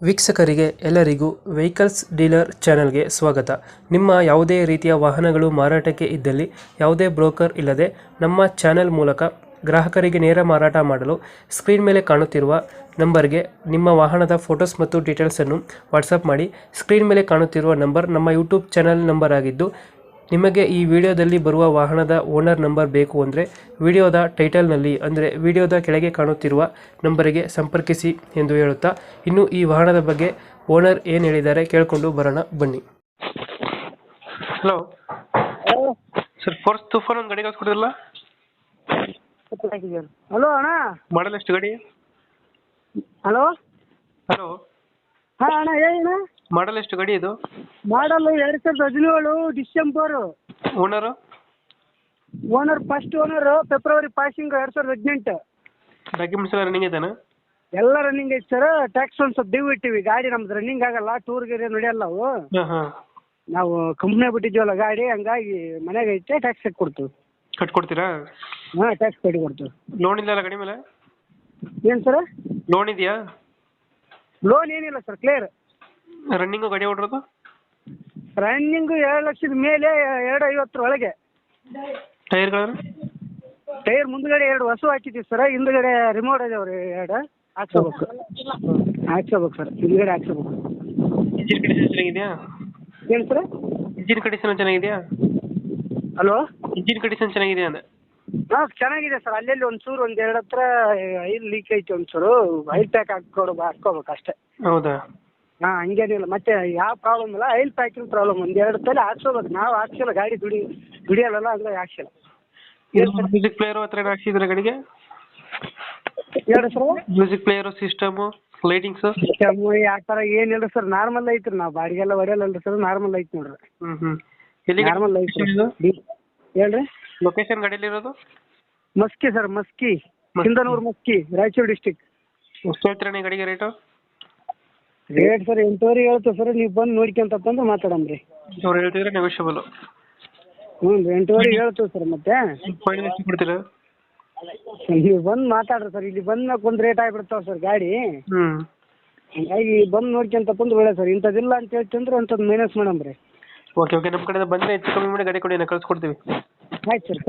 ವೀಕ್ಷಕರಿಗೆ ಎಲ್ಲರಿಗೂ vehicles dealer ಚಾನೆಲ್ಗೆ ಸ್ವಾಗತ. ನಿಮ್ಮ ಯಾವುದೇ ರೀತಿಯ ವಾಹನಗಳು ಮಾರಾಟಕ್ಕೆ ಇದ್ದಲ್ಲಿ ಯಾವುದೇ ಬ್ರೋಕರ್ ಇಲ್ಲದೆ ನಮ್ಮ ಚಾನೆಲ್ ಮೂಲಕ ಗ್ರಾಹಕರಿಗೆ ನೇರ ಮಾರಾಟ ಮಾಡಲು ಸ್ಕ್ರೀನ್ ಮೇಲೆ ಕಾಣುತ್ತಿರುವ ನಂಬರ್ಗೆ ನಿಮ್ಮ ವಾಹನದ ಫೋಟೋಸ್ ಮತ್ತು ಡೀಟೇಲ್ಸನ್ನು ವಾಟ್ಸಪ್ ಮಾಡಿ. ಸ್ಕ್ರೀನ್ ಮೇಲೆ ಕಾಣುತ್ತಿರುವ ನಂಬರ್ ನಮ್ಮ ಯೂಟ್ಯೂಬ್ ಚಾನೆಲ್ ನಂಬರ್ ಆಗಿದ್ದು, ನಿಮಗೆ ಈ ವಿಡಿಯೋದಲ್ಲಿ ಬರುವ ವಾಹನದ ಓನರ್ ನಂಬರ್ ಬೇಕು ಅಂದರೆ ವಿಡಿಯೋದ ಟೈಟಲ್ನಲ್ಲಿ ಅಂದರೆ ವಿಡಿಯೋದ ಕೆಳಗೆ ಕಾಣುತ್ತಿರುವ ನಂಬರಿಗೆ ಸಂಪರ್ಕಿಸಿ ಎಂದು ಹೇಳುತ್ತಾ, ಇನ್ನು ಈ ವಾಹನದ ಬಗ್ಗೆ ಓನರ್ ಏನು ಹೇಳಿದ್ದಾರೆ ಕೇಳಿಕೊಂಡು ಬರೋಣ ಬನ್ನಿ. ಹಲೋ ಸರ್, ಫೋರ್ಸ್ ತೂಫಾನ್ ಒಂದು ಗಾಡಿ ಕಳ್ಸ್ಕೊಡಿದ್ರಲ್ಲ, ಹಲೋ ಅಣ್ಣ. ಮಾಡಲ್ ಎಷ್ಟು ಗಾಡಿ? ಹಲೋ ಹಲೋ, ಹಾಂ ಅಣ್ಣ, ಹೇಳಿ ಅಣ್ಣ. ಮಾಡಲ್ ಎಷ್ಟು ಗಾಡಿ ಇದು? Model 2017 December. Owner? Owner first owner February passing 2018. Documents ಎಲ್ಲ ರನ್ನಿಂಗ್ ಇದೇನಾ? ಎಲ್ಲ ರನ್ನಿಂಗ್ ಐತೆ ಸರ್. ಟ್ಯಾಕ್ಸ್ ಒಂದು ಸ್ವಲ್ಪ ಡ್ಯೂ ಇಟ್ಟಿವಿ. ಗಾಡಿ ನಮ್ದು ರನ್ನಿಂಗ್ ಆಗಲ್ಲ, ಟೂರ್ ಗೀರ್ ನಡೆಯಲ್ಲ ಅವು. ಹಾಂ ಹಾಂ, ನಾವು ಕಂಪ್ನಿ ಬಿಟ್ಟಿದ್ದೀವಲ್ಲ ಗಾಡಿ, ಹಂಗಾಗಿ ಮನೆಗೆ ಐತೆ, ಟ್ಯಾಕ್ಸ್ ಕಟ್ಟಿ ಕೊಡ್ತೀವಿ. ಕಟ್ಕೊಡ್ತೀರಾ? ಹಾಂ, ಟ್ಯಾಕ್ಸ್ ಕಟ್ಟಿ ಕೊಡ್ತೀವಿ. ಲೋನ್ ಇಲ್ಲ ಗಾಡಿ ಮೇಲೆ? ಏನು ಸರ್? ಲೋನ್ ಇದೆಯಾ? ಲೋನ್ ಏನಿಲ್ಲ ಸರ್, ಕ್ಲಿಯರ್. ರನ್ನಿಂಗು ಗಾಡಿ ಓಡಿರೋದು? ರನ್ನಿಂಗು 2,00,000 ಮೇಲೆ, 250 ಒಳಗೆ. ಟೈರ್ಗಳನ್ನು? ಟೈರ್ ಮುಂದ್ಗಡೆ 2 ಹೊಸ ಹಾಕಿದ್ದೀವಿ ಸರ್, ಹಿಂದ್ಗಡೆ ರಿಮೋಟ್ ಇದಾವೆ 2 ಹಾಕ್ಸ್ಕೋಬೇಕು. ಹಾಕ್ಸ್ಕೋಬೇಕು ಸರ್, ಹಿಂದ್ಗಡೆ ಹಾಕ್ಸ್ಕೋಬೇಕು. ಇಂಜಿನ್ ಕಂಡೀಷನ್ ಚೆನ್ನಾಗಿದೆಯಾ? ಏನು ಸರ್? ಇಂಜಿನ್ ಕಂಡೀಷನ್ ಚೆನ್ನಾಗಿದೆಯಾ? ಹಲೋ, ಇಂಜಿನ್ ಕಂಡೀಷನ್ ಚೆನ್ನಾಗಿದೆಯಾ ಅಂದೆ? ಹಾಂ ಚೆನ್ನಾಗಿದೆ ಸರ್. ಅಲ್ಲೆಲ್ಲಿ ಒಂಚೂರು 1-2 ಹತ್ರ ಆಯಿಲ್ ಲೀಕ್ ಐತಿ, ಒಂಚೂರು ಆಯಿಲ್ ಪ್ಯಾಕ್ ಹಾಕ್ಕೋಬೇಕು ಅಷ್ಟೇ. ಹೌದಾ? ಹಾಂ, ಹಂಗೇನಿಲ್ಲ. ಮತ್ತೆ ಯಾವ ಪ್ರಾಬ್ಲಮ್ ಇಲ್ಲ, ಆಯಿಲ್ ಪ್ಯಾಕಿಂಗ್ ಪ್ರಾಬ್ಲಮ್. 1-2 ತಲೆ ಹಾಕ್ಸ್ಕೋಬೇಕು. ನಾವು ಹಾಕ್ಸಿಲ್ಲ, ಗಾಡಿ ದುಡಿಯಲ್ಲ, ಹಂಗಾಗಿ ಹಾಕ್ಸಿಲ್ಲ. ಮ್ಯೂಸಿಕ್ ಪ್ಲೇಯರು ಹತ್ರ ಏನು ಹಾಕ್ಸಿದ್ರೆ ಗಾಡಿಗೆ? ಹೇಳಿ sir. Music player, system, lightings? ಆ ಥರ ಏನಿಲ್ಲ ಸರ್, ನಾರ್ಮಲ್ ಐತ್ರಿ. ನಾವು ಬಾಡಿಗೆಲ್ಲ ಹೊಡೆಯಲ್ಲ ಸರ್, ನಾರ್ಮಲ್ ಐತಿ ನೋಡ್ರಿ. ಎಲ್ಲಿ ನಾರ್ಮಲ್ ಐತಿ. ಹೇಳ್ರಿ. ಲೊಕೇಶನ್ ಗಾಡಿಯಲ್ಲಿ ಇರೋದು? Maski sir, Maski, Sindhanur Maski, Raichur district. ಎಷ್ಟು ಹೇಳ್ತೀರಾ ನೀವು ಗಾಡಿಗೆ ರೇಟು? ರೇಟ್ ಸರ್ 8,500 ಹೇಳ್ತೀವಿ ಸರ್. ನೀವು ಬಂದು ನೋಡ್ಕೊಂತಂದು ಮಾತಾಡಮ್ರಿ. ಅವ್ರು ಹೇಳ್ತಿದ್ರೆ ನೆಗೋಷಿಯಬಲ್? ಹ್ಞೂ, 8,500 ಹೇಳ್ತೀವಿ ಸರ್. ಮತ್ತೆ ಫೈನಲ್ ಎಷ್ಟು ಕೊಡ್ತೀರಾ? ನೀವು ಬಂದು ಮಾತಾಡ್ರಿ ಸರ್. ಇಲ್ಲಿ ಬಂದ್ಮೇಲೆ ಒಂದು ರೇಟ್ ಆಗಿಬಿಡ್ತಾವೆ ಸರ್ ಗಾಡಿ. ಹಂಗಾಗಿ ಬಂದು ನೋಡ್ಕೊಂತ ಒಳ್ಳೆ ಸರ್. ಇಂಥದ್ದಿಲ್ಲ ಅಂತ ಹೇಳ್ತಂದ್ರೆ ಅಂಥದ್ದು ಮೈನಸ್ ಮಾಡಮ್ರಿ. ಓಕೆ ಓಕೆ, ನಮ್ಮ ಕಡೆಯಿಂದ ಬಂದರೆ ಹೆಚ್ಚು ಕಮ್ಮಿ ಮಾಡಿ ಗಾಡಿ ಕೊಡಿ, ನಾವು ಕಳ್ಸ್ಕೊಡ್ತೀವಿ. ಆಯ್ತು ಸರ್.